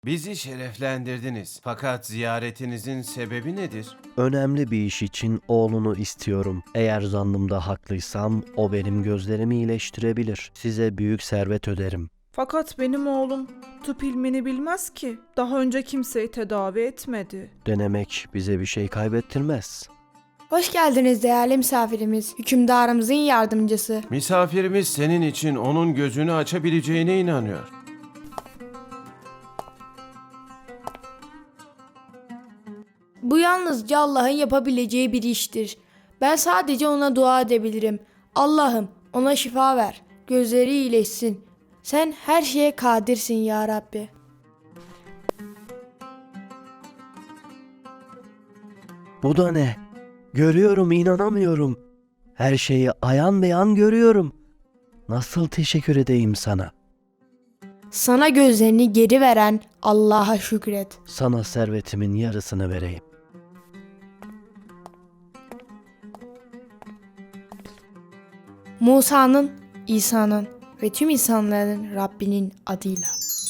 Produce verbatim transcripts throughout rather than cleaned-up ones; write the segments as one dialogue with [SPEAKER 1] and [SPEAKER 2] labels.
[SPEAKER 1] Bizi şereflendirdiniz. Fakat ziyaretinizin sebebi nedir?
[SPEAKER 2] Önemli bir iş için oğlunu istiyorum. Eğer zannımda haklıysam o benim gözlerimi iyileştirebilir. Size büyük servet öderim.
[SPEAKER 3] Fakat benim oğlum tıp ilmini bilmez ki. Daha önce kimseyi tedavi etmedi.
[SPEAKER 2] Denemek bize bir şey kaybettirmez.
[SPEAKER 4] Hoş geldiniz değerli misafirimiz, hükümdarımızın yardımcısı.
[SPEAKER 1] Misafirimiz senin için onun gözünü açabileceğine inanıyor.
[SPEAKER 4] Bu yalnızca Allah'ın yapabileceği bir iştir. Ben sadece ona dua edebilirim. Allah'ım ona şifa ver, gözleri iyileşsin. Sen her şeye kadirsin ya Rabbi.
[SPEAKER 2] Bu da ne? Görüyorum, inanamıyorum. Her şeyi ayan beyan görüyorum. Nasıl teşekkür edeyim sana?
[SPEAKER 4] Sana gözlerini geri veren Allah'a şükret.
[SPEAKER 2] Sana servetimin yarısını vereyim.
[SPEAKER 4] Musa'nın, İsa'nın ve tüm insanların Rabbinin adıyla.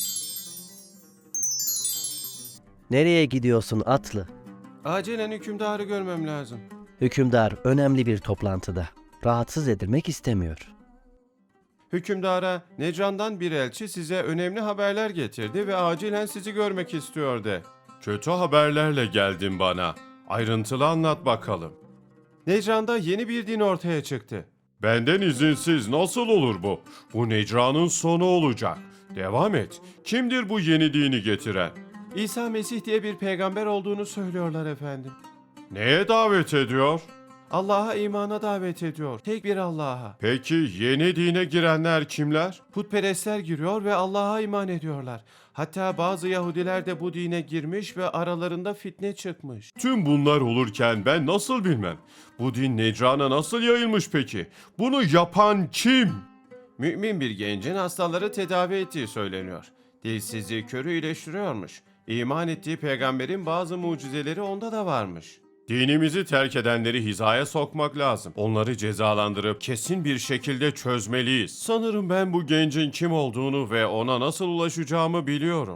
[SPEAKER 2] Nereye gidiyorsun atlı?
[SPEAKER 1] Acilen hükümdarı görmem lazım.
[SPEAKER 2] Hükümdar önemli bir toplantıda. Rahatsız edilmek istemiyor.
[SPEAKER 1] Hükümdara Necran'dan bir elçi size önemli haberler getirdi ve acilen sizi görmek istiyor de. Kötü haberlerle geldin bana. Ayrıntılı anlat bakalım. Necran'da yeni bir din ortaya çıktı. Benden izinsiz nasıl olur bu? Bu Necran'ın sonu olacak. Devam et. Kimdir bu yeni dini getiren? İsa Mesih diye bir peygamber olduğunu söylüyorlar efendim. Neye davet ediyor? Allah'a imana davet ediyor. Tek bir Allah'a. Peki yeni dine girenler kimler? Putperestler giriyor ve Allah'a iman ediyorlar. Hatta bazı Yahudiler de bu dine girmiş ve aralarında fitne çıkmış. Tüm bunlar olurken ben nasıl bilmem? Bu din Necran'a nasıl yayılmış peki? Bunu yapan kim? Mümin bir gencin hastaları tedavi ettiği söyleniyor. Dilsizliği körü iyileştiriyormuş. İman ettiği peygamberin bazı mucizeleri onda da varmış. Dinimizi terk edenleri hizaya sokmak lazım. Onları cezalandırıp kesin bir şekilde çözmeliyiz. Sanırım ben bu gencin kim olduğunu ve ona nasıl ulaşacağımı biliyorum.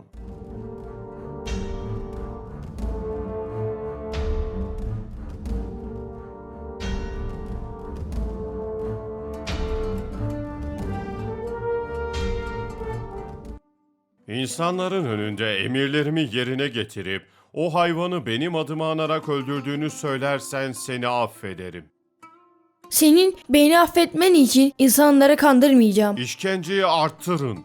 [SPEAKER 1] İnsanların önünde emirlerimi yerine getirip o hayvanı benim adıma anarak öldürdüğünü söylersen seni affederim.
[SPEAKER 4] Senin beni affetmen için insanları kandırmayacağım.
[SPEAKER 1] İşkenceyi arttırın.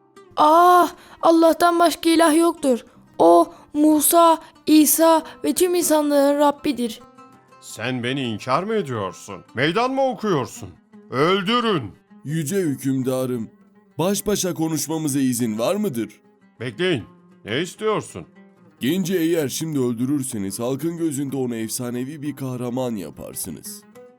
[SPEAKER 4] Ah, Allah'tan başka ilah yoktur. O, Musa, İsa ve tüm insanların Rabbidir.
[SPEAKER 1] Sen beni inkar mı ediyorsun? Meydan mı okuyorsun? Öldürün.
[SPEAKER 5] Yüce hükümdarım, baş başa konuşmamıza izin var mıdır?
[SPEAKER 1] Bekleyin. Ne istiyorsun?
[SPEAKER 5] Genci eğer şimdi öldürürseniz halkın gözünde onu efsanevi bir kahraman yaparsınız.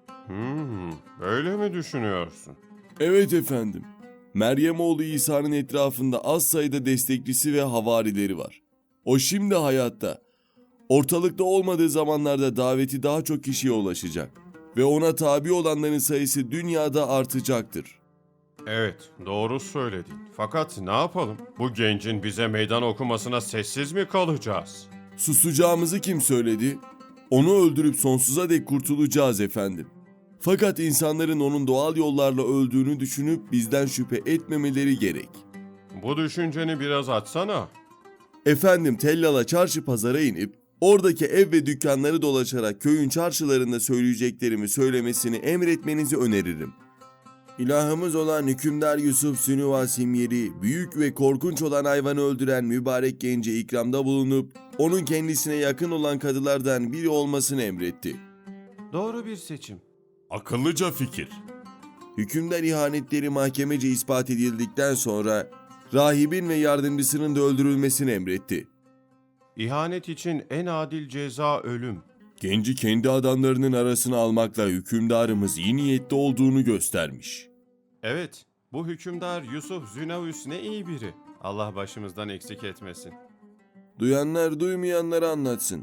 [SPEAKER 1] Hmm, böyle mi düşünüyorsun?
[SPEAKER 5] Evet efendim. Meryem oğlu İsa'nın etrafında az sayıda destekçisi ve havarileri var. O şimdi hayatta. Ortalıkta olmadığı zamanlarda daveti daha çok kişiye ulaşacak. Ve ona tabi olanların sayısı dünyada artacaktır.
[SPEAKER 1] Evet, doğru söyledin. Fakat ne yapalım? Bu gencin bize meydan okumasına sessiz mi kalacağız?
[SPEAKER 5] Susacağımızı kim söyledi? Onu öldürüp sonsuza dek kurtulacağız efendim. Fakat insanların onun doğal yollarla öldüğünü düşünüp bizden şüphe etmemeleri gerek.
[SPEAKER 1] Bu düşünceni biraz açsana.
[SPEAKER 5] Efendim Tellal'a çarşı pazara inip oradaki ev ve dükkanları dolaşarak köyün çarşılarında söyleyeceklerimi söylemesini emretmenizi öneririm. İlahımız olan hükümdar Yusuf Sünüva Simyeri, büyük ve korkunç olan hayvanı öldüren mübarek gence ikramda bulunup onun kendisine yakın olan kadılardan biri olmasını emretti.
[SPEAKER 1] Doğru bir seçim.
[SPEAKER 5] Akıllıca fikir. Hükümdar ihanetleri mahkemece ispat edildikten sonra rahibin ve yardımcısının da öldürülmesini emretti.
[SPEAKER 1] İhanet için en adil ceza ölüm.
[SPEAKER 5] Genci kendi adamlarının arasına almakla hükümdarımız iyi niyetli olduğunu göstermiş.
[SPEAKER 1] Evet, bu hükümdar Yusuf Zünavüs ne iyi biri. Allah başımızdan eksik etmesin.
[SPEAKER 5] Duyanlar duymayanlara anlatsın.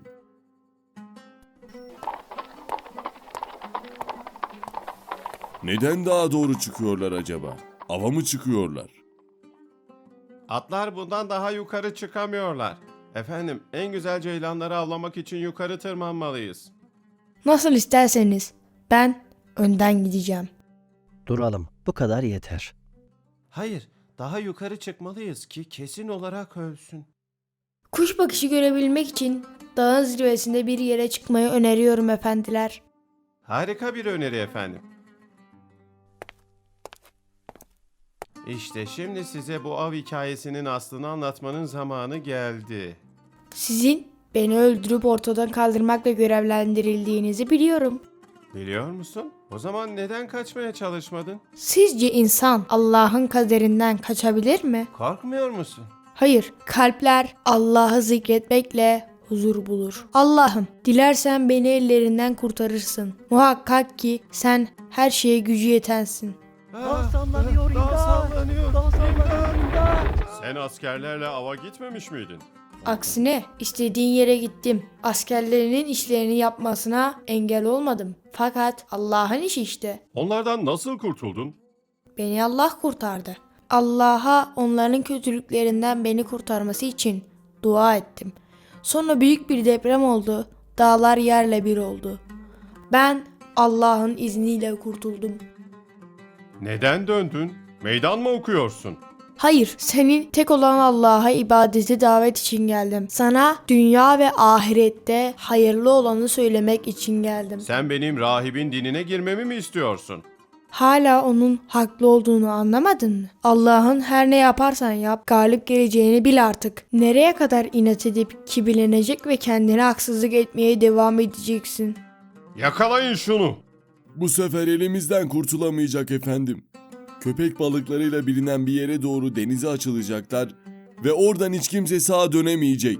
[SPEAKER 5] Neden daha doğru çıkıyorlar acaba? Ava mı çıkıyorlar?
[SPEAKER 1] Atlar bundan daha yukarı çıkamıyorlar. Efendim, en güzel ceylanları avlamak için yukarı tırmanmalıyız.
[SPEAKER 4] Nasıl isterseniz. Ben önden gideceğim.
[SPEAKER 2] Duralım. Bu kadar yeter.
[SPEAKER 1] Hayır, daha yukarı çıkmalıyız ki kesin olarak ölsün.
[SPEAKER 4] Kuş bakışı görebilmek için dağın zirvesinde bir yere çıkmayı öneriyorum efendiler.
[SPEAKER 1] Harika bir öneri efendim. İşte şimdi size bu av hikayesinin aslını anlatmanın zamanı geldi.
[SPEAKER 4] Sizin beni öldürüp ortadan kaldırmakla görevlendirildiğinizi biliyorum.
[SPEAKER 1] Biliyor musun? O zaman neden kaçmaya çalışmadın?
[SPEAKER 4] Sizce insan Allah'ın kaderinden kaçabilir mi?
[SPEAKER 1] Korkmuyor musun?
[SPEAKER 4] Hayır, kalpler Allah'ı zikretmekle huzur bulur. Allah'ım, dilersen beni ellerinden kurtarırsın. Muhakkak ki sen her şeye gücü yetensin.
[SPEAKER 2] Dağ sallanıyor,
[SPEAKER 1] Dağ
[SPEAKER 2] imdat!
[SPEAKER 1] sallanıyor.
[SPEAKER 2] Dağ sallanıyor, imdat!
[SPEAKER 1] Sen askerlerle ava gitmemiş miydin?
[SPEAKER 4] Aksine istediğin yere gittim. Askerlerinin işlerini yapmasına engel olmadım. Fakat Allah'ın işi işte.
[SPEAKER 1] Onlardan nasıl kurtuldun?
[SPEAKER 4] Beni Allah kurtardı. Allah'a onların kötülüklerinden beni kurtarması için dua ettim. Sonra büyük bir deprem oldu. Dağlar yerle bir oldu. Ben Allah'ın izniyle kurtuldum.
[SPEAKER 1] Neden döndün? Meydan mı okuyorsun?
[SPEAKER 4] Hayır, senin tek olan Allah'a ibadete davet için geldim. Sana dünya ve ahirette hayırlı olanı söylemek için geldim.
[SPEAKER 1] Sen benim rahibin dinine girmemi mi istiyorsun?
[SPEAKER 4] Hala onun haklı olduğunu anlamadın mı? Allah'ın her ne yaparsan yap, galip geleceğini bil artık. Nereye kadar inat edip kibirlenecek ve kendine haksızlık etmeye devam edeceksin?
[SPEAKER 1] Yakalayın şunu.
[SPEAKER 5] Bu sefer elimizden kurtulamayacak efendim. Köpek balıklarıyla bilinen bir yere doğru denize açılacaklar ve oradan hiç kimse sağa dönemeyecek.